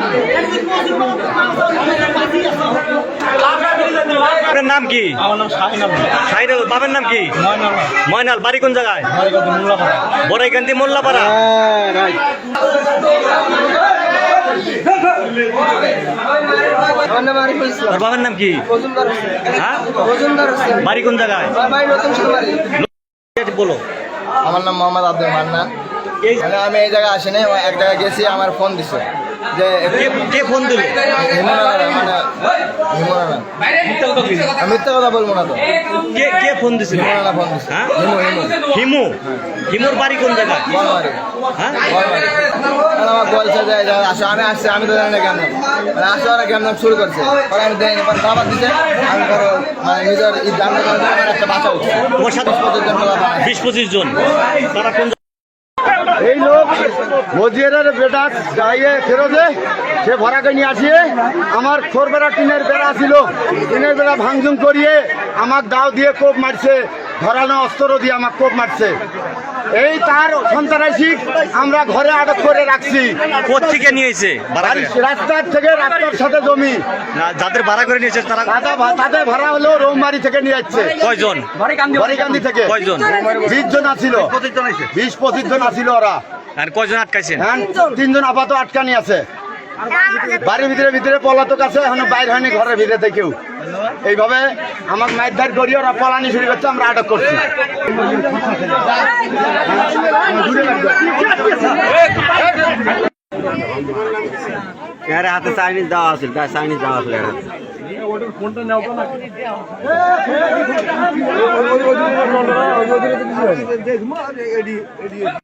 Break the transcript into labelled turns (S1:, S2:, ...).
S1: আপনার নাম কি?
S2: আমার নাম
S1: শাহিনুল। বাবার নাম কি? ময়নাল। বাড়ি কোন জায়গায়? বড়াইকান্দি মোল্লাপাড়া। তোর বাবার নাম কি? হ্যাঁ, বাড়ি কোন জায়গায়? বলো।
S3: আমার নাম মোহাম্মদ আব্দুল মান্নান। মানে আমি এই জায়গায় আসিনি, এক জায়গায় গেছি, আমার ফোন দিছে যে
S1: কে ফোন দিল?
S3: মিথ্যা কথা বলবো না তো।
S1: কে ফোন দিছিল?
S3: ফোন দিছে।
S1: হ্যাঁ, হিমু। হিমুর বাড়ি কোন জায়গায়? হ্যাঁ,
S3: আমাকে বলছে যে আসো, আমি আসছি, আমি তো জানি না কেন মানে আসো, ওরা কেমন শুরু করছে, পরে আমি দেয়নি, পরে খাবার দিচ্ছে, আমি ধরো মানে নিজের জানতে পারছি আমার একটা বাসা উঠছে।
S1: তোমার সাথে 20-25 জন। তারা কোন?
S4: এই লোক মজিয়ারের বেটা গাইয়ে ফেরোজে, সে ভরাকে নিয়ে আসিয়ে আমার খোরবেড়া টিনের বেড়া ছিল, টিনের বেড়া ভাঙচুং করিয়ে আমার দাও দিয়ে কোপ মারছে, ধরানো অস্ত্র দিয়ে আমার কোপ মারছে। এই তার সন্ত্রাসী আমরা ঘরে আটক করে রাখছি।
S1: কোত্থেকে নিয়েছে?
S4: রাস্তার থেকে, রাস্তার সাথে জমি
S1: যাদের ভাড়া করে নিয়েছে তারা?
S4: তাদের ভাড়া হলো রৌমারি থেকে নিয়ে যাচ্ছে।
S1: কয়জন?
S4: বরিকান্দি থেকে।
S1: কয়জন?
S4: 20 জন আছিল, 20-25 জন আছিল ওরা।
S1: আর কয়জন আটকাইছেন?
S4: 3 জন আপাতত আটকানি আছে। বাড়ির ভিতরে পলাতক আছে, এখন বাইরে হয়নি ঘরের ভিতরে থেকেও। এইভাবে আমার মারধার করি, ওরা পলানি শুরু করছে, আমরা আটক করছি।
S3: হাতে চাইনিজ দেওয়া আছে, চাইনিজ দেওয়া আছে।